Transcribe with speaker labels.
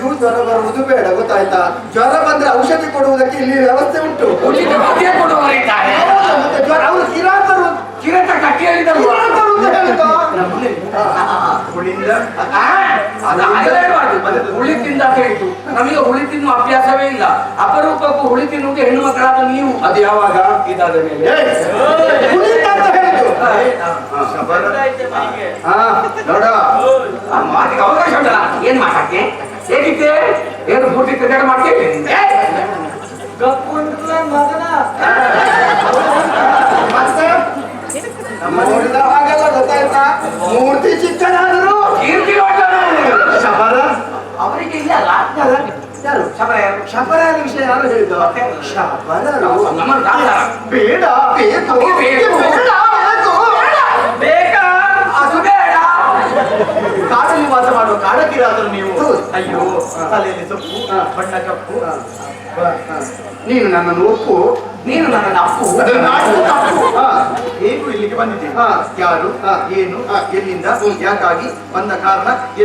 Speaker 1: ಎಲ್ಲಿಯೂ ಜ್ವರ ಬರುವುದು ಬೇಡ, ಗೊತ್ತಾಯ್ತಾ? ಜ್ವರ ಬಂದ್ರೆ ಔಷಧಿ ಕೊಡುವುದಕ್ಕೆ ಇಲ್ಲಿ ವ್ಯವಸ್ಥೆ ಉಂಟು.
Speaker 2: ಕೊಡುವವರಿದ್ದಾರೆ.
Speaker 1: ಮತ್ತೆ ಜ್ವರ ಅವರು ಕಿರಾತರು,
Speaker 2: ಕಿರತ ಕಟ್ಟಿ ಹೇಳಿದರು ಹುಳಿ ತಿಂದ ಹೇಳಿತು. ನಮಗೆ ಹುಳಿ ತಿನ್ನುವ ಅಭ್ಯಾಸವೇ ಇಲ್ಲ. ಅಪರೂಪಕ್ಕೂ ಹುಳಿ ತಿನ್ನುವುದು ಹೆಣ್ಣು ಮಕ್ಕಳಾದ ನೀವು.
Speaker 1: ಅದು ಯಾವಾಗ?
Speaker 2: ಇದಾದ ಮೇಲೆ
Speaker 1: ನೋಡ
Speaker 2: ಮಾತಿಗೆ ಅವಕಾಶ ಉಂಟಲ್ಲ. ಏನ್ ಮಾತಾಡ್ತಿ? ಹೇಗಿದ್ದೆ? ಏನು ಪೂರ್ತಿ ಕ್ರಿಕೆಟ್ ಮಾಡ್ತೀವಿ?
Speaker 1: ನೋಡಿದ ಹಾಗೆಲ್ಲ ಗೊತ್ತಾಯ್ತಾ? ಮೂರ್ತಿ ಚಿಕ್ಕನಾದ್ರು
Speaker 2: ಕೀರ್ತಿ ಶಬರ ಅವರಿಗೆ ಇಲ್ಲ ಅಲ್ಲ.
Speaker 1: ಯಾರು
Speaker 2: ಶಬರ ಯಾರು?
Speaker 1: ಶಬರ ವಿಷಯ ಯಾರು ಹೇಳಿದ್ದು? ಶಬರರು
Speaker 2: ಬೇಡ ಬೇಕಾ? ಅದು ಬೇಡ.
Speaker 3: ಕಾಡಲ್ಲಿ ವಾಸ ಮಾಡುವ ಕಾಡಕ್ಕಿರಾದರು ನೀವು. ಅಯ್ಯೋ, ತಲೆಯಲ್ಲಿ ಸೊಪ್ಪು, ಬಣ್ಣ ಕಪ್ಪು.
Speaker 1: ನೀನು ನನ್ನನ್ನು ಒಪ್ಪು,
Speaker 2: ನೀನು ನನ್ನ ಅಪ್ಪು.
Speaker 3: ಹೇಗೂ ಇಲ್ಲಿಗೆ ಬಂದಿದ್ದೀನಿ. ಯಾರು, ಏನು, ಎಲ್ಲಿಂದ, ಯಾಕಾಗಿ ಬಂದ ಕಾರಣ